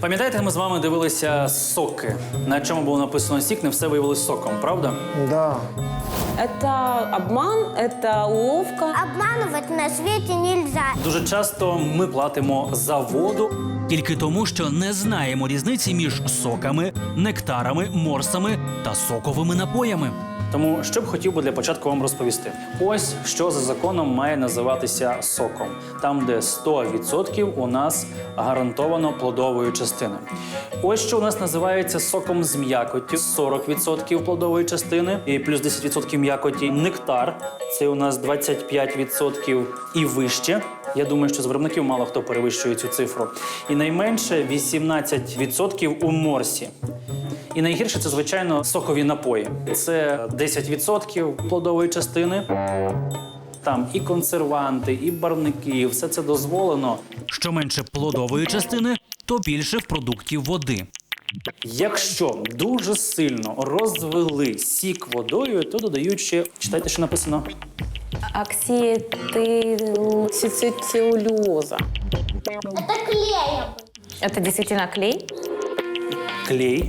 Пам'ятаєте, ми з вами дивилися соки, на чому було написано сік, не все виявилось соком, правда? Да. Это обман, это уловка. Обманывать на свете нельзя. Дуже часто ми платимо за воду тільки тому, що не знаємо різниці між соками, нектарами, морсами та соковими напоями. Тому що б хотів би для початку вам розповісти. Ось що за законом має називатися соком. Там, де 100% у нас гарантовано плодової частини. Ось що у нас називається соком з м'якоттю, 40% плодової частини і плюс 10% м'якоті. Нектар – це у нас 25% і вище. Я думаю, що з виробників мало хто перевищує цю цифру. І найменше 18% у морсі. І найгірше – це, звичайно, сокові напої. Це 10% плодової частини. Там і консерванти, і барвники, все це дозволено. Що менше плодової частини, то більше в продукті води. Якщо дуже сильно розвели сік водою, то додають ще, читайте, що написано. Оксицеллюлоза. Это клеем. Это действительно клей? Клей.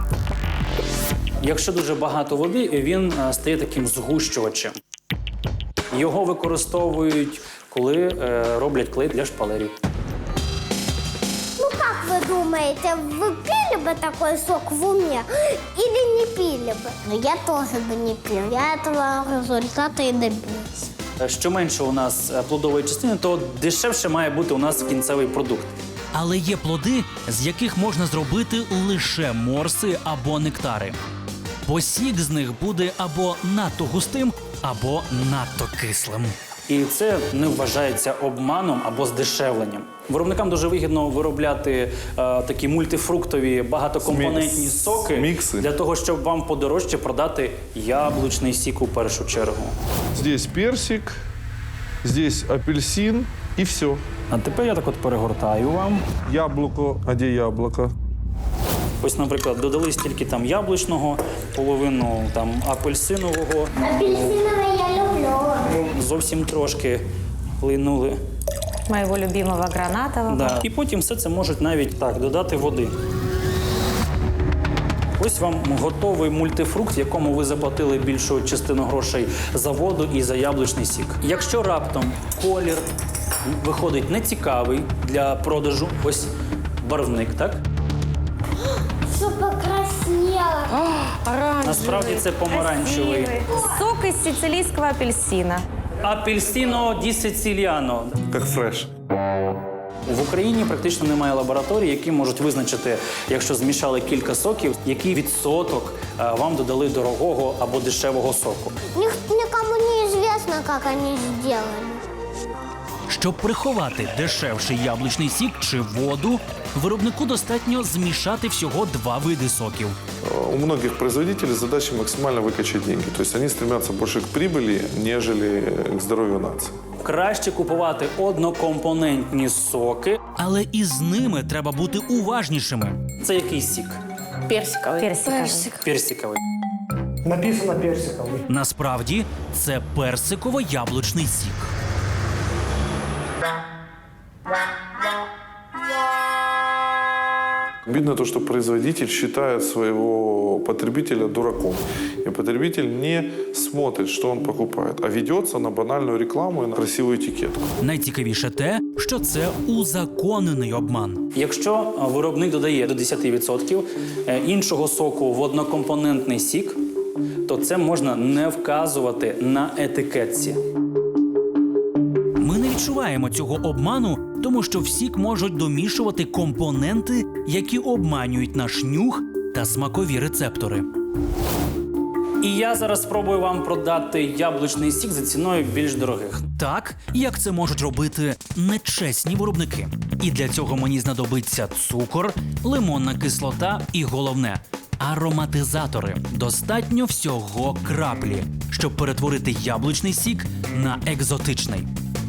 Якщо дуже багато води, він стає таким згущувачем. Його використовують, коли роблять клей для шпалерів. Ну как вы думаете, вы пили бы такой сок в уме или не пили бы? Ну я тоже бы не пил. Я этого результата и добился. Що менше у нас плодової частини, то дешевше має бути у нас кінцевий продукт. Але є плоди, з яких можна зробити лише морси або нектари. Бо сік з них буде або надто густим, або надто кислим. І це не вважається обманом або здешевленням. Виробникам дуже вигідно виробляти такі мультифруктові багатокомпонентні соки мікси. Для того, щоб вам подорожче продати яблучний сік у першу чергу. Здесь персик, здесь апельсин и все. А тепер я так от перегортаю вам. Яблоко, а где яблоко? Ось, наприклад, додали стільки там яблучного, половину там апельсинового, Апельсиновое я люблю. зовсім трошки линули. Моего любимого гранатового. Да. І потім все це можуть навіть так додати води. Ось вам готовий мультифрукт, в якому ви заплатили більшу частину грошей за воду і за яблучний сік. Якщо раптом колір виходить нецікавий для продажу, ось барвник, так? Все покраснело. Оранжевый. Насправді це помаранчевий. красивый. Сок из сицилийского апельсина. Апельсино ді Сициліано. Как фреш. В Україні практично немає лабораторій, які можуть визначити, якщо змішали кілька соків, який відсоток вам додали дорогого або дешевого соку. Никому не известно, как они сделали. Щоб приховати дешевший яблучний сік чи воду, виробнику достатньо змішати всього два види соків. У многих производителей задача максимально выкачать деньги. То есть они стремятся больше к прибыли, нежели к здоровью нации. Краще купувати однокомпонентні соки, але і з ними треба бути уважнішими. Це який сік? Персиковый. Персиковий. Написано персиковый. Насправді це персиково-яблучний сік. Видно то, что производитель считает своего потребителя дураком. И потребитель не смотрит, что он покупает, а ведется на банальную рекламу и на красивую этикетку. Найцікавіше те, що це узаконений обман. Якщо виробник додає до 10% іншого соку в однокомпонентний сік, то це можна не вказувати на етикетці. Ми не відчуваємо цього обману, тому що в сік можуть домішувати компоненти, які обманюють наш нюх та смакові рецептори. І я зараз спробую вам продати яблучний сік за ціною більш дорогих. Так, як це можуть робити нечесні виробники. І для цього мені знадобиться цукор, лимонна кислота і, головне, ароматизатори. Достатньо всього краплі, щоб перетворити яблучний сік на екзотичний.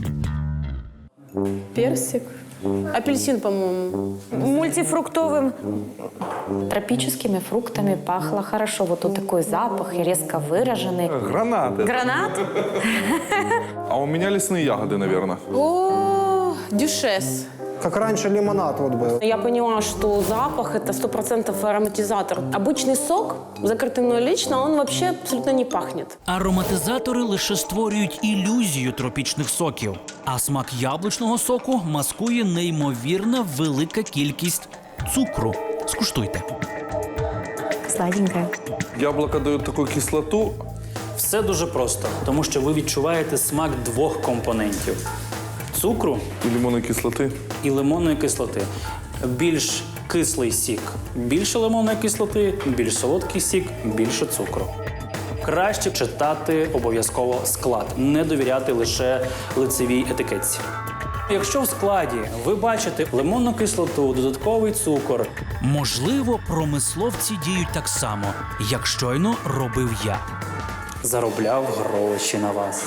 Персик. Апельсин, по-моему. Мультифруктовым. Тропическими фруктами пахло хорошо. Вот тут такой запах и резко выраженный. Гранаты. Гранат? А у меня лесные ягоды, наверное. О, дюшес. Как раньше лимонад вот был. Я поняла, что запах – это 100% ароматизатор. Обычный сок, закрытый мной лично, он вообще абсолютно не пахнет. Ароматизатори лише створюють ілюзію тропічних соків, а смак яблучного соку маскує неймовірна велика кількість цукру. Скуштуйте. Сладенькая. Яблоко дает такую кислоту. Все дуже просто, тому що ви відчуваєте смак двох компонентів – цукру И лимонной кислоты. і лимонної кислоти. Більш кислий сік – більше лимонної кислоти, більш солодкий сік – більше цукру. Краще читати обов'язково склад, не довіряти лише лицевій етикетці. Якщо в складі ви бачите лимонну кислоту, додатковий цукор, можливо, промисловці діють так само, як щойно робив я. Заробляв гроші на вас.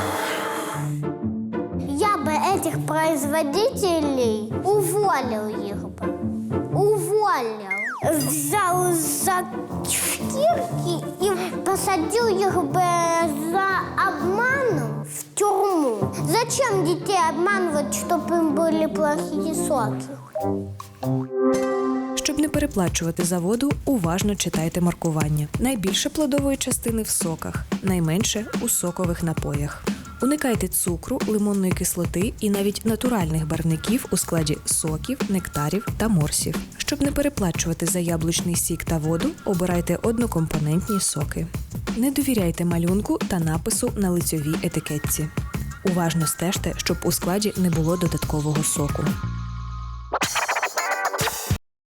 Я бы этих производителей уволил их бы. Уволил. Взял за шкирки и посадил их бы за обманом в тюрьму. Зачем детей обманывать, чтобы им были плохие соки? Щоб не переплачувати за воду, уважно читайте маркування. Найбільше плодової частини в соках, найменше у сокових напоях. Уникайте цукру, лимонної кислоти і навіть натуральних барвників у складі соків, нектарів та морсів. Щоб не переплачувати за яблучний сік та воду, обирайте однокомпонентні соки. Не довіряйте малюнку та напису на лицьовій етикетці. Уважно стежте, щоб у складі не було додаткового соку.